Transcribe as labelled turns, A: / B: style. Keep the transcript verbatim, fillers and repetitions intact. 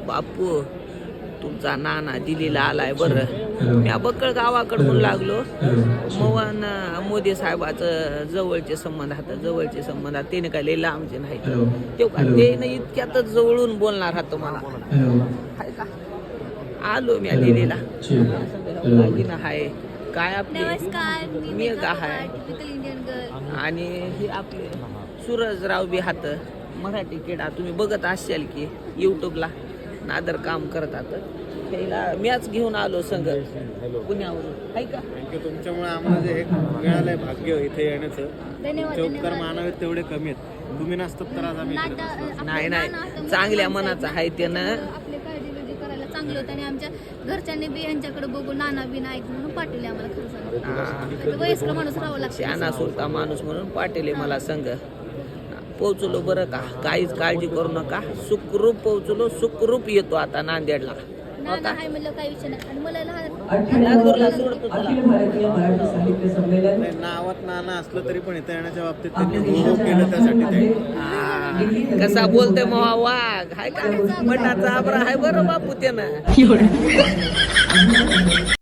A: बापू तुमचा नाना दिल्लीला आलाय बरं. मी बक्कळ गावाकडे म्हणून लागलो. मवन मोदी साहेबाचं जवळचे संबंध हात जवळचे संबंध हात ते काय लय लांबचे नाही ते का ते नाही इतक्यातच जवळून बोलणार हात मला हाय का. आलो मी दिल्लीला हाय काय आपली मी का हाय आणि हे आपले सूरजराव बी हात मराठी किडा तुम्ही बघत असाल की युट्यूबला नादर काम करतात. त्याला मॅच घेऊन आलो संघ पुण्यावरून आहे का.
B: तुमच्यामुळे आम्हाला जे एक मिळालंय भाग्य इथे येण्याचं तुमचे उपकार मानावेत तेवढे कमी आहेत. तुम्ही नसतात तर आज आम्ही
A: नाही नाही चांगल्या मनाचं आहे त्यानं
C: आपले काळजी बिळजी करायला चांगलं होतं आणि आमच्या घरच्यांनी बी यांच्याकडे बघून नाना बी नाही म्हणून पाठवले आम्हाला. खरं सांग वयस्कर माणूस राहावं लागतं
A: शहाणा सुलता माणूस म्हणून पाठवले मला संघ. पोहोचलो बरं का काहीच काळजी करू नका सुखरूप पोहोचलो सुखरूप येतो आता नांदेडला.
C: नाना आहे म्हणलं काही विषय नाही. आणि मला लहान
B: नावात नाना असलं तरी पण इथं येण्याच्या बाबतीत त्यांनी हो केलं त्यासाठी ते
A: कसा बोलतोय मवा वाघ हाय का मठाचा आबरा हाय बरं बापू त्यानं.